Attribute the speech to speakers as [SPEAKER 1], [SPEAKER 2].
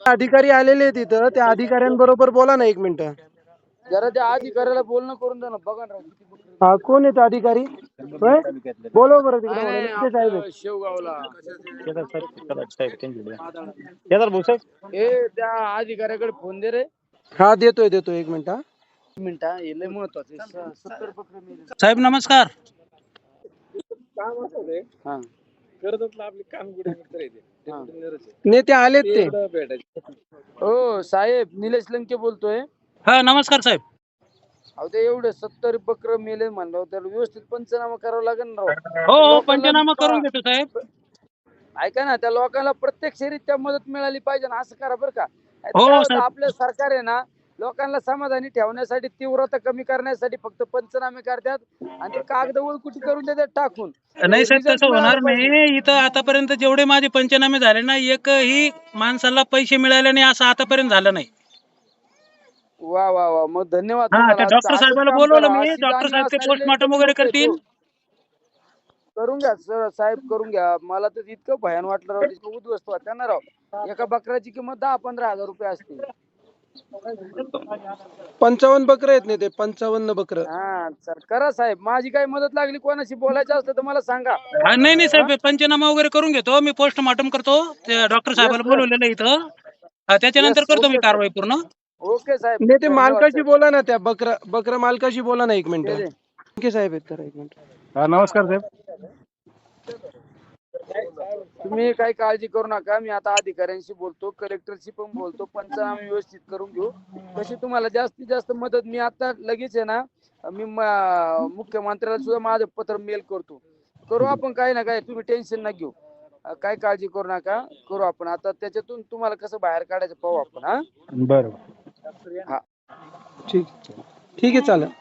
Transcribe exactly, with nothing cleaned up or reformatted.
[SPEAKER 1] अधिकारी आलेले आहेत इथं, त्या अधिकाऱ्यांबरोबर बोला ना एक मिनिट.
[SPEAKER 2] जरा त्या अधिकाऱ्याला बोलणं करून द्या ना. बघा ना राव, किती बकरी.
[SPEAKER 1] हा, कोण आहेत अधिकारी? होय? बोलव बरं तिकडे.
[SPEAKER 2] नाही, नाही,
[SPEAKER 1] इथे साहेब आहेत.
[SPEAKER 2] आपलं शेवगावला ए त्या अधिकाऱ्याकडे फोन दे रे.
[SPEAKER 1] हा, देतोय देतोय एक मिनिट. हा,
[SPEAKER 2] एक मिनिट हा, हे लय महत्वाचं आहे. स- सत्तर बकरी मेली.
[SPEAKER 3] साहेब नमस्कार.
[SPEAKER 2] काम असं रे. हा करत आपले काम कुठे मित्र आहे ते. हा.
[SPEAKER 1] नेते आलेत ते.
[SPEAKER 2] हो साहेब, निलेश लंके बोलतोय.
[SPEAKER 3] हा नमस्कार साहेब.
[SPEAKER 2] अहो ते एवढे सत्तर बकर मेले म्हणलं, त्याला व्यवस्थित पंचनामा करावा लागेल ना राव.
[SPEAKER 3] हो हो
[SPEAKER 2] लोकांना
[SPEAKER 3] पंचनामा
[SPEAKER 2] पा-
[SPEAKER 3] करून घेतो साहेब.
[SPEAKER 2] ऐका ना, त्या लोकांना प्रत्यक्षरित्या मदत मिळाली पाहिजे ना, असं करा बरं का.
[SPEAKER 3] हो,
[SPEAKER 2] काय होतं,
[SPEAKER 3] साहेब.
[SPEAKER 2] आपलं सरकार आहे ना, लोकांना समाधानी ठेवण्यासाठी, तीव्रता कमी करण्यासाठी फक्त पंचनामे करतात आणि ते कागद वळकुटी करून देतात टाकून.
[SPEAKER 3] नाही साहेब,
[SPEAKER 2] Result
[SPEAKER 3] तसं
[SPEAKER 2] मिळाला
[SPEAKER 3] होणार
[SPEAKER 2] पाहिजे.
[SPEAKER 3] नाही. इथं आतापर्यंत जेवढे माझे पंचनामे झाले ना, एकही माणसाला पैसे मिळाले नाही असं आतापर्यंत झालं नाही.
[SPEAKER 2] वा वा वा, मग धन्यवाद
[SPEAKER 3] हा,
[SPEAKER 2] तुम्हाला.
[SPEAKER 3] त्या डॉक्टर
[SPEAKER 2] असंच
[SPEAKER 3] साहेबाला
[SPEAKER 2] काम
[SPEAKER 3] बोलवलं
[SPEAKER 2] करा.
[SPEAKER 3] मी.
[SPEAKER 2] अशी
[SPEAKER 3] डॉक्टर
[SPEAKER 2] जाणीव
[SPEAKER 3] साहेब ते
[SPEAKER 2] असणारे लय
[SPEAKER 3] पोस्टमॉर्टम
[SPEAKER 2] कमी
[SPEAKER 3] वगैरे
[SPEAKER 2] लोकं आहेत
[SPEAKER 3] करतील.
[SPEAKER 2] हो. करून घ्या सर साहेब, करून घ्या. मला तर इतकं भयान वाटलं राव, इतकं उद्ध्वस्त वाटतं ना राव. एका बकऱ्याची किंमत दहा पंधरा हजार रुपये असते.
[SPEAKER 1] पंचावन्न बकरं आहेत नेते, पंचावन्न बकरं.
[SPEAKER 2] हा सर, करा साहेब. माझी काही मदत लागली, कोणाशी बोलायचं असलं तर मला सांगा.
[SPEAKER 3] हा, नाही नाही साहेब, पंचनामा वगैरे करून घेतो मी. पोस्टमॉर्टम करतो. त्या डॉक्टर साहेबाला
[SPEAKER 2] sir.
[SPEAKER 3] बोलवलेलं आहे इथं. हा, त्याच्यानंतर
[SPEAKER 2] Yes,
[SPEAKER 3] करतो मी
[SPEAKER 2] okay, sir.
[SPEAKER 3] कारवाई पूर्ण.
[SPEAKER 2] ओके साहेब,
[SPEAKER 1] नेते
[SPEAKER 2] धन्यवाद
[SPEAKER 1] मालकाशी
[SPEAKER 2] सर.
[SPEAKER 1] बोला ना, त्या बकरा बकरा मालकाशी बोला ना एक मिनिट.
[SPEAKER 2] दे दे.
[SPEAKER 1] लंके साहेब आहेत, करा एक मिनिट.
[SPEAKER 4] हा नमस्कार साहेब.
[SPEAKER 2] तुम्ही काही काळजी करू नका. मी आता अधिकाऱ्यांशी बोलतो, कलेक्टरशी पण बोलतो. पंचनामे व्यवस्थित करून घेऊ. कशी तुम्हाला जास्तीत जास्त मदत मी आता लगेच आहे ना, मी म- मुख्यमंत्र्याला सुद्धा माझं पत्र मेल करतो. करू आपण काही ना काय, तुम्ही टेन्शन नका घेऊ. अं, काही काळजी करू नका, करू आपण. आता त्याच्यातून तुम्हाला कसं बाहेर काढायचं पाहू आपण. हा
[SPEAKER 4] बरं.
[SPEAKER 2] हा
[SPEAKER 1] ठीक ठीक आहे, चालेल.